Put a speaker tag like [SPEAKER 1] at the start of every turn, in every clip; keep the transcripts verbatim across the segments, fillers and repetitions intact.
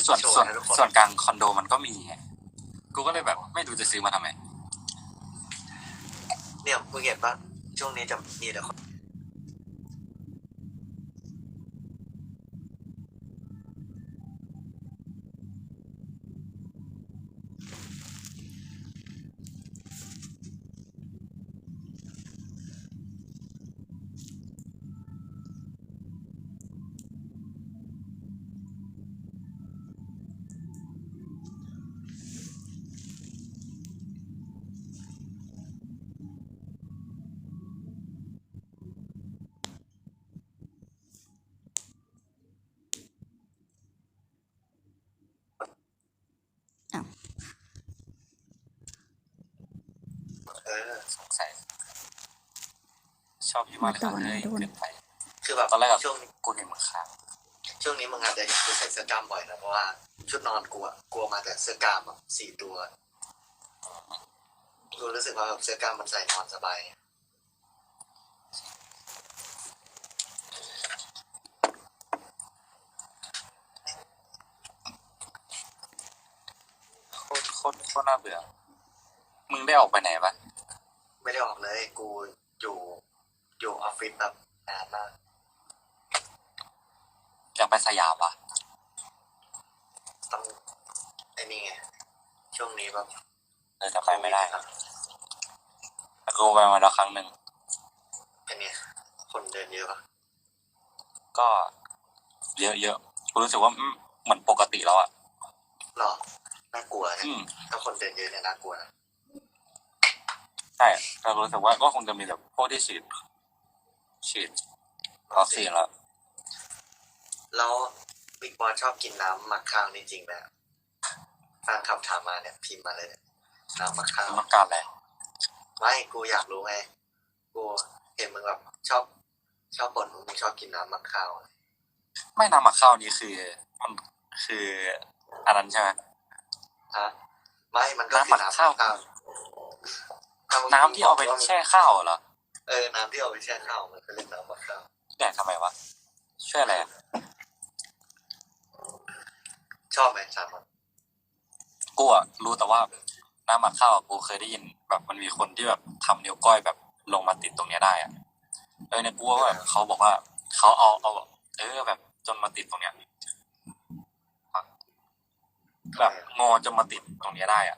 [SPEAKER 1] ส่วน
[SPEAKER 2] โชว์
[SPEAKER 1] ส่วน
[SPEAKER 2] ให้ทุกคน
[SPEAKER 1] ส่วนกลางคอนโดมันก็มีไงกูก็เลยแบบไม่รู้จะซื้อมาทำไม
[SPEAKER 2] เนี่ยมึงเห็นปะช่วงนี้จะมีแต่คนเออ
[SPEAKER 1] สงสัยชอบพี่มากเลยค่ะเลยเกินไป
[SPEAKER 2] คือแบบ
[SPEAKER 1] ตอนแรกอะ
[SPEAKER 2] ช่วง
[SPEAKER 1] กูเห็นมึงค้าง
[SPEAKER 2] ช่วงนี้มึงอาจจะเห็นกูใส่เสื้อกล้ามบ่อยนะเพราะว่าชุดนอนกูอะกลัวมาแต่เสื้อกล้ามอะสี่ตัวกูรู้สึกว่าแบบเสื้อกล้ามมันใส่นอนสบาย
[SPEAKER 1] โคตรโคตรโคตรน่าเบื่อมึงได้ออกไปไหนปะ
[SPEAKER 2] ไม่ได้ออกเลยกูอยู่อยู่ออฟฟิศแบบนานมาก
[SPEAKER 1] อยากไปสยามปะ
[SPEAKER 2] ต้องไอ้นี่ไงช่วงนี้แบบ
[SPEAKER 1] เออจะไปไม่ได้ครับแต่กูไปมาแล้วครั้งหนึ่ง
[SPEAKER 2] เป็นไงคนเดินเยอะปะ
[SPEAKER 1] ก็เยอะเยอะกูรู้สึกว่าอืมเหมือนปกติแล้วอ่ะ
[SPEAKER 2] หรอน่ากลัวนะ
[SPEAKER 1] อืม
[SPEAKER 2] ถ้าคนเดินเยอะเนี่ยน่ากลัวนะ
[SPEAKER 1] ใช่แต่รู้สึกว่าก็คงจะมีแบบพวกที่ฉีดฉีดวัคซีนแล้ว
[SPEAKER 2] แล้วบิ๊กบอสชอบกินน้ำหมักข้าวนี่จริงไหมแฟนคลับถามมาเนี่ยพิมพ์มาเลยเนี่ยน้ำหมักข้าว
[SPEAKER 1] ต้องการอะไร
[SPEAKER 2] ไม่กูอยากรู้ไงกูเห็นมึงแบบชอบชอบบ่นมึงชอบกินน้ำหมักข้าว
[SPEAKER 1] ไม่น้ำหมักข้าวนี้คือมันคืออันนั้นใช่ไหม
[SPEAKER 2] ฮะไม่มันก็คือน้ำหมักข้าว
[SPEAKER 1] น้ำที่เอาไปแช่ข้าวเหรอ
[SPEAKER 2] เออน้ำที่เอาไปแช่ข้าวมันก็เรียกน้ำหมักข้าว
[SPEAKER 1] แดกทำไมวะช่วยอะไรอะ
[SPEAKER 2] ชอบไหมสามคน
[SPEAKER 1] กูอะรู้แต่ว่าน้ำหมักข้าวอะกูเคยได้ยินแบบมันมีคนที่แบบทำนิ้วก้อยแบบลงมาติดตรงเนี้ยได้อะเออเนี่ยกูว่าแบบเขาบอกว่าเขาเอาเอาเออแบบจนมาติดตรงเนี้ยแบบงอจนมาติดตรงเนี้ยได้อะ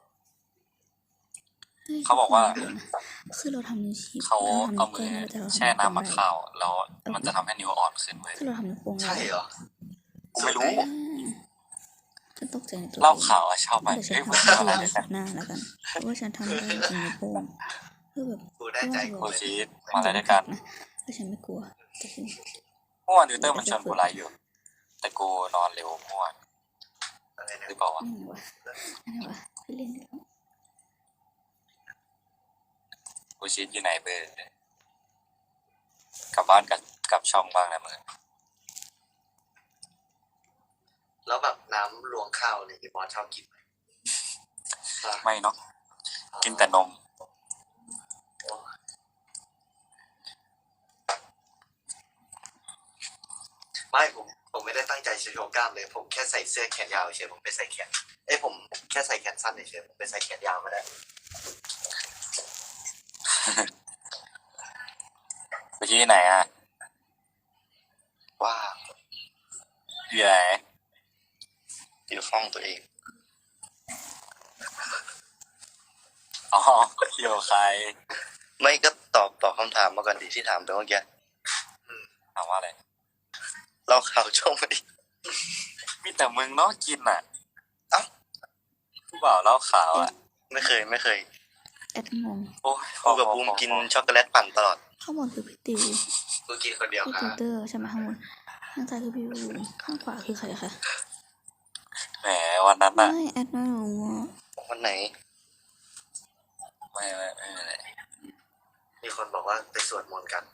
[SPEAKER 1] เขาบอกว่า
[SPEAKER 3] คือเราทำนิ้วชี้
[SPEAKER 1] เขา
[SPEAKER 3] เราทำ
[SPEAKER 1] เอา
[SPEAKER 3] นิ้ว
[SPEAKER 1] มื
[SPEAKER 3] ก้
[SPEAKER 1] อ
[SPEAKER 3] อยแต่เรา
[SPEAKER 1] แช่
[SPEAKER 3] ทำนิ้วโป้ง
[SPEAKER 1] น้ำหมัก
[SPEAKER 3] ได้
[SPEAKER 1] ข้าวแล้วมันจะทำให้นิ้วอ่อนขึ้นเว้ย
[SPEAKER 3] คือเราทำนิ้วโป้งได้
[SPEAKER 2] ใช่เหรอ
[SPEAKER 1] กูไม่รู้
[SPEAKER 3] อ่าฉันตกใจในตัว
[SPEAKER 1] เล่าข่าวอะชอบไหม
[SPEAKER 3] เดี๋ยวฉัน
[SPEAKER 1] เอ้ย
[SPEAKER 3] ทำ
[SPEAKER 1] มัน
[SPEAKER 3] ให้
[SPEAKER 1] อะไร
[SPEAKER 3] ดูใน
[SPEAKER 1] กั
[SPEAKER 3] สั
[SPEAKER 1] น
[SPEAKER 3] ปหน้าแล้วกันเพราะว่าฉันทำได้จริงนิ้วโป้งคือแบบ
[SPEAKER 2] กูได้ใจ
[SPEAKER 1] โค
[SPEAKER 2] กู
[SPEAKER 1] ชีสมาอะไรด้วยกัน
[SPEAKER 3] นะแต่ฉันไม่กลัวแต่ฉัน
[SPEAKER 1] เมื่อวานดิวเตอร์มันชวนกูไลฟ์อยู่ แต่กูนอนเร็วเมื่อวาน
[SPEAKER 2] อะไรนะ
[SPEAKER 1] หรือเปล่าวะ
[SPEAKER 3] นั่นไงวะนั่นไงวะไปเล่นกันแล้ว
[SPEAKER 1] กูชีสอยู่ไหนเบอร์กลับบ้านกับกับช่องบ้างนะมึง
[SPEAKER 2] แล้วแบบน้ำรวงข้าวเนี่ยพี่บอสชอบกินไหม
[SPEAKER 1] ไม่เนาะกินแต่นม
[SPEAKER 2] ไม่ผมผมไม่ได้ตั้งใจจะโชว์กล้ามเลย ผมแค่ใส่เสื้อแขนยาวเฉยผมไปใส่แขนเอ้ยผมแค่ใส่แขนสั้นเฉยผมไปใส่แขนยาวมาได้
[SPEAKER 1] ไปที่ไหนอ่ะ
[SPEAKER 2] ว้า
[SPEAKER 1] อยู่ไหน
[SPEAKER 2] อยู่ห้องตัวเอง
[SPEAKER 1] อ๋ออยู่กับใคร
[SPEAKER 2] ไม่ก็ตอบตอบคำถามมาก่อนดิที่ถามไปเมื่อกี้
[SPEAKER 1] ถามว่าอะไร
[SPEAKER 2] เล่าข่าวช่วงมาดิ
[SPEAKER 1] มีแต่มึงเนาะกินอ่ะ
[SPEAKER 2] เอ้า
[SPEAKER 1] ผู้บ่าวเล่าข่าวอ่ะ
[SPEAKER 2] ไม่เคยไม่เคย
[SPEAKER 3] แอดงง
[SPEAKER 1] โอ้ย
[SPEAKER 2] กูกับบูมกินช็อกโกแลตปั่นตลอด
[SPEAKER 3] ข้างบนคือพี่ติว
[SPEAKER 2] กูกินคนเดียว
[SPEAKER 3] พี่
[SPEAKER 2] ครั
[SPEAKER 3] ติว
[SPEAKER 2] บ
[SPEAKER 3] เตอร์ใช่ไหมข้างบนข้างซ้ายคือพี่บูมข้างขวาคือใครคะ
[SPEAKER 1] แหมวันนั้น
[SPEAKER 3] ไม่
[SPEAKER 1] อ่ะ
[SPEAKER 3] แอดไม่รู้อะ
[SPEAKER 2] วันไหน
[SPEAKER 1] ไม่ไม่ไม่ไม่ไม่
[SPEAKER 2] มีคนบอกว่าไปสวดมนต์กัน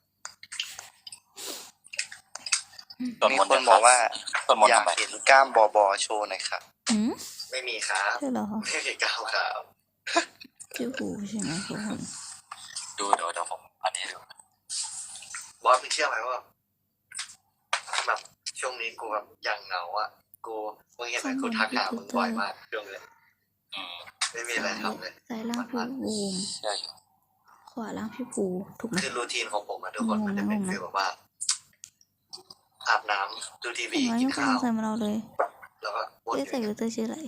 [SPEAKER 1] ส่วน
[SPEAKER 2] มี
[SPEAKER 1] มนต์
[SPEAKER 2] คนบอกว่า
[SPEAKER 1] ส่วนมนต์
[SPEAKER 2] อยาก
[SPEAKER 1] ทำไม
[SPEAKER 2] เห็นกล้ามบอบอโชว์หน่อยครับ
[SPEAKER 3] หืม
[SPEAKER 2] ไม่มีครับ
[SPEAKER 3] ใช่เหรอ
[SPEAKER 2] ไม่มีกล้ามครับ
[SPEAKER 3] พี่หูใช่ไหมทุกคน
[SPEAKER 1] ดูเดี๋ยวเดี๋ยวผมอันนี้ดู
[SPEAKER 2] บอสมึงเชื่อไหมว่าแบบช่วงนี้กูแบบยังเหงาอ่ะกูมึงเห็นไหมกูทักหามึงบ่อยมากช่วงนี้
[SPEAKER 1] อืม
[SPEAKER 2] ไม่มีอะไรทำเลย
[SPEAKER 3] ซ้ายล่างพี่บูม
[SPEAKER 1] ใช่อยู่
[SPEAKER 3] ขวาล่างพี่ปูถูกไหม
[SPEAKER 2] คือรูทีนของผมอะทุกคน
[SPEAKER 3] งงนะ
[SPEAKER 2] มันจะเป็น
[SPEAKER 3] งงนะ
[SPEAKER 2] ฟีลแบบว่า อาบน้ำดูที
[SPEAKER 3] เห็
[SPEAKER 2] วี
[SPEAKER 3] นไหม
[SPEAKER 2] กิ
[SPEAKER 3] ไม่
[SPEAKER 2] น
[SPEAKER 3] เคย
[SPEAKER 2] ข้าว
[SPEAKER 3] ใส่มาเราเลย
[SPEAKER 2] แล้วก็วนอ
[SPEAKER 3] เจ๊
[SPEAKER 2] ยู่
[SPEAKER 3] ใส่
[SPEAKER 2] อย่าง
[SPEAKER 3] ฟิ
[SPEAKER 2] เงี้
[SPEAKER 3] ลเตอร์ชื่ออะไร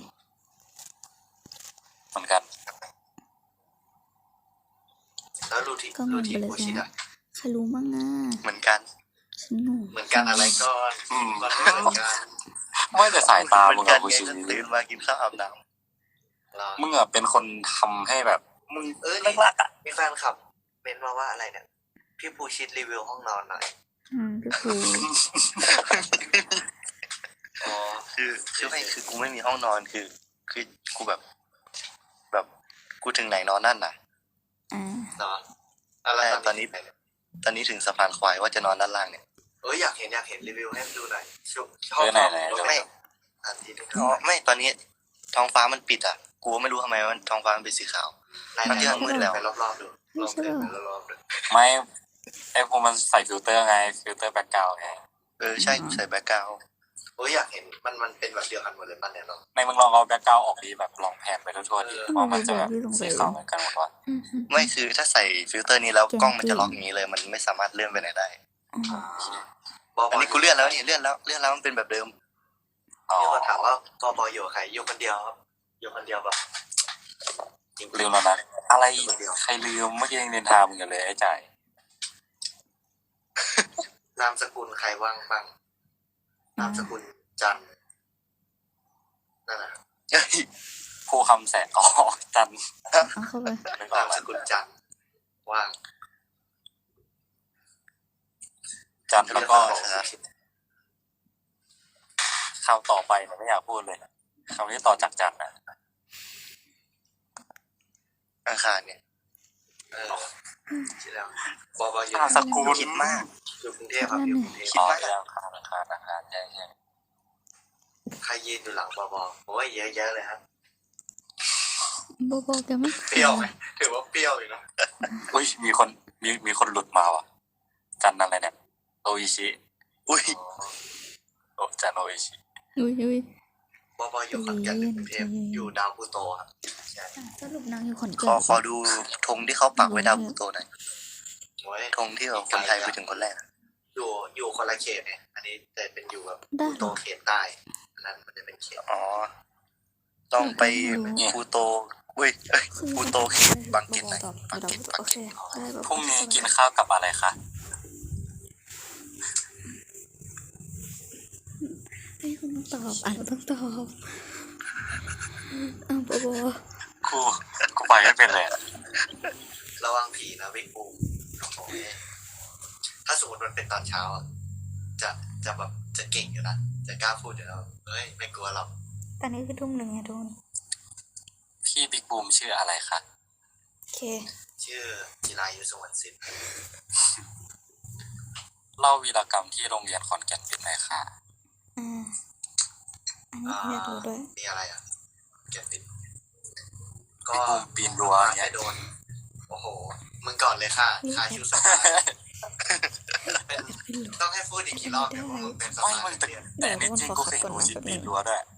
[SPEAKER 1] เหมือนกัน
[SPEAKER 2] แล้วรูทีน
[SPEAKER 3] ก็ง
[SPEAKER 2] รู
[SPEAKER 3] ง
[SPEAKER 2] ที
[SPEAKER 3] ไป
[SPEAKER 2] น
[SPEAKER 3] เลย
[SPEAKER 2] กู
[SPEAKER 3] ใช่
[SPEAKER 2] ชิด
[SPEAKER 3] ไหม
[SPEAKER 2] อะ
[SPEAKER 3] ใครรู้มั่งอ่ะ
[SPEAKER 2] เหมือนกัน
[SPEAKER 3] ฉันงง
[SPEAKER 2] เหมือนกันอะไรก่อน
[SPEAKER 1] อืม
[SPEAKER 2] มันไม่เหมือนกัน
[SPEAKER 1] ไม่แต่สายตามึงอะกูชิ
[SPEAKER 2] ตื่นมากินข้าวอาบน้ำ
[SPEAKER 1] มึงอะเป็นคนทำให้แบบมึง
[SPEAKER 2] เออ
[SPEAKER 1] เลิ
[SPEAKER 2] นี่
[SPEAKER 1] กลักอะ
[SPEAKER 2] มีแฟนคลับเป็นมาว่าอะไรเนี่ยพี่ภูชิดรีวิวห้องนอนหน่อย
[SPEAKER 3] อืมพี่ปู
[SPEAKER 2] อ๋อ
[SPEAKER 4] คือคือไม่คือกูไม่มีห้องนอนคือ คือกูแบบ แบบกูถึงไหนนอนนั่นน่ะ
[SPEAKER 3] อ่า
[SPEAKER 2] เนาะอะไร
[SPEAKER 4] แต่ตอนนี้ ตอนนี้ถึงสะพานควายว่าจะนอนด้านล่างเนี่ย
[SPEAKER 2] เอออยากเห็นอยากเห็นรีวิวให้ดูหน่อยชุบช
[SPEAKER 1] เออไหนไหน
[SPEAKER 2] ชอบ
[SPEAKER 4] ไม่
[SPEAKER 2] อันที่นึง
[SPEAKER 4] อ๋อไม่ตอนนี้ท้องฟ้ามันปิดอ่ะกูไม่รู้ทำไมมันท้องฟ้ามันเป็นสีขาว
[SPEAKER 2] ไหนไหน
[SPEAKER 4] มันจะมืดแล้ว
[SPEAKER 2] ไปรอบๆดูลองเดินไปรอบๆดู
[SPEAKER 1] ไม่ไอ้พวกมันใส่ฟิลเตอร์ไงฟิลเตอร์แบ็กกราวด์ไง
[SPEAKER 4] เออใช่ใส่แบ็คกราวด์
[SPEAKER 2] โอ้ยอยากเห็นมันมันเป็นแบบเดียวกันหมดเลยป่ะเนี่ยเนาะ
[SPEAKER 1] ในมึงลองเอาแบ็กกราวด์ออกดีแบบลองแผนไปทั่วๆดี
[SPEAKER 2] เออ
[SPEAKER 1] ว่ามันจะแบบสีขาวเหมือนกันหมดวะ
[SPEAKER 3] อืมอืม
[SPEAKER 4] ไม่คือถ้าใส่ฟิลเตอร์นี้แล้วกล้องมันจะล็อกอย่างนี้เลย มันไม่สามารถเลื่อนไปไหนได้
[SPEAKER 3] อืม
[SPEAKER 2] บอ
[SPEAKER 4] อันนี้กูเลื่อนแล้วนี่เลื่อนแล้วเลื่อนแล้วมันเป็นแบบเดิม
[SPEAKER 1] อ๋อ
[SPEAKER 2] มีคนถามว่าบอบออยู่กับใครอยู่คนเดียวครับอยู่คนเดียวแบบจริงๆ
[SPEAKER 1] ลืมแล้วนะอะไรอีกใครลืมเมื่อกี้ยังเรียนทามึงอยู่เลยไอ้จ่าย
[SPEAKER 2] นามสกุลใครว่างบ้างนามสกุลจันทร์นั่นแหละ
[SPEAKER 4] เฮ้ย
[SPEAKER 1] ผู้คำแสนอ๋อจัน
[SPEAKER 3] เอาเข้าไป
[SPEAKER 1] นึกออน
[SPEAKER 2] าก ม
[SPEAKER 1] แล้
[SPEAKER 2] ส
[SPEAKER 1] ว
[SPEAKER 2] กุลจันทร์ว่าง
[SPEAKER 1] จันแล้วก็
[SPEAKER 4] เออ
[SPEAKER 1] คำต่อไปเนี่ยไม่อยากพูดเลยคำที่ต่อจากจันนะ
[SPEAKER 4] อังคารเนี่ย
[SPEAKER 2] เออคิดแล้วบอบออยู่
[SPEAKER 1] นามสกุล
[SPEAKER 4] คิดมาก
[SPEAKER 2] อยู่กรุงเทพครับอยู่กรุงเทพ
[SPEAKER 1] อ๋อเรื่องคาราคาราคาใช่ใช่
[SPEAKER 2] ใครยืนอยู่หลังบอบอโอ้ยเยอะแยะเลยครับ
[SPEAKER 3] โบโบแกไม่
[SPEAKER 2] เปรี้ยวไหมถือว่าเปรี้ยวเลยนะ
[SPEAKER 1] อุ้ยมีคนมีมีคนหลุดมาว่ะจันอะไรเนี่ยโออิชิ
[SPEAKER 4] อุ้ย
[SPEAKER 1] โอจันโออิชิ
[SPEAKER 3] อุ้ยอุ้ย
[SPEAKER 2] บอบออยู่ขอนแก่นหรือกรุงเทพอยู่ดาวพูโตครับใช่
[SPEAKER 3] อ่ะสรุปนางอยู่ขอน
[SPEAKER 4] ข
[SPEAKER 3] แก่
[SPEAKER 4] อน ขอดูธงที่เขาปักไว้ดาวพลูโตหน่อย
[SPEAKER 2] โอ้ย
[SPEAKER 4] ธงที่แบบคนไทยไปถึงคนแรกอะ
[SPEAKER 2] อยู่อยู่คนละเขตเนี่ยอันนี้แต่เป็นอยู่แบบ
[SPEAKER 3] ได้
[SPEAKER 2] พูโตเขตใต้อันนั้นมันจะเป็นเขต
[SPEAKER 4] อ๋อ ต้องไปพลูโตเว้ยเอ้ย พูโตเขตบางเขตไหน
[SPEAKER 3] ตอบบ
[SPEAKER 4] างเขต
[SPEAKER 3] โอเคได้แบบ
[SPEAKER 1] พรุ่งนี้กินข้าวกับอะไรคะ
[SPEAKER 3] ให้คุณตอบอ่านต้องตอบอ้าวโบโบ
[SPEAKER 1] กูกูไปไม่เป็นเลยอะ
[SPEAKER 2] ระวังผีนะวิกปูโอ้ยถ้าสมมติมันเป็นตอนเช้าอะจะจะแบบจะเก่งอยู่นะจะกล้าพูดอยู่แล้วเฮ้ยไม่กลัวหรอก
[SPEAKER 3] ตอนนี้คือทุ่มหนึ่งไงทุกคน
[SPEAKER 1] พี่บิ๊กบูมชื่ออะไรคะ
[SPEAKER 3] โอเค
[SPEAKER 2] ชื่อจิรายุสวรรณสิน
[SPEAKER 1] เล่าวีรกรรมที่โรงเรียนขอนแก่นเป็นไงคะ
[SPEAKER 3] อ่าอันนี้อยากรู้ด้วย
[SPEAKER 2] มีอะไรอ่ะเก็บนิดก็
[SPEAKER 1] บิ๊กบูมปีนรั้ว
[SPEAKER 2] ไม่
[SPEAKER 1] เนี่ย
[SPEAKER 2] โดน โอ้โห มึงก่อนเลยค่ะค่าชิวสภาเป็นต้องให้พูดอีกกี่รอบเนี่ยว่ามึงเป็นส
[SPEAKER 1] ไม่
[SPEAKER 2] ภา
[SPEAKER 1] มึงแต่
[SPEAKER 2] เรียน
[SPEAKER 1] แต่อันนี่จริงกูเคยเห็นหนูชิดปีนรั้วด้วย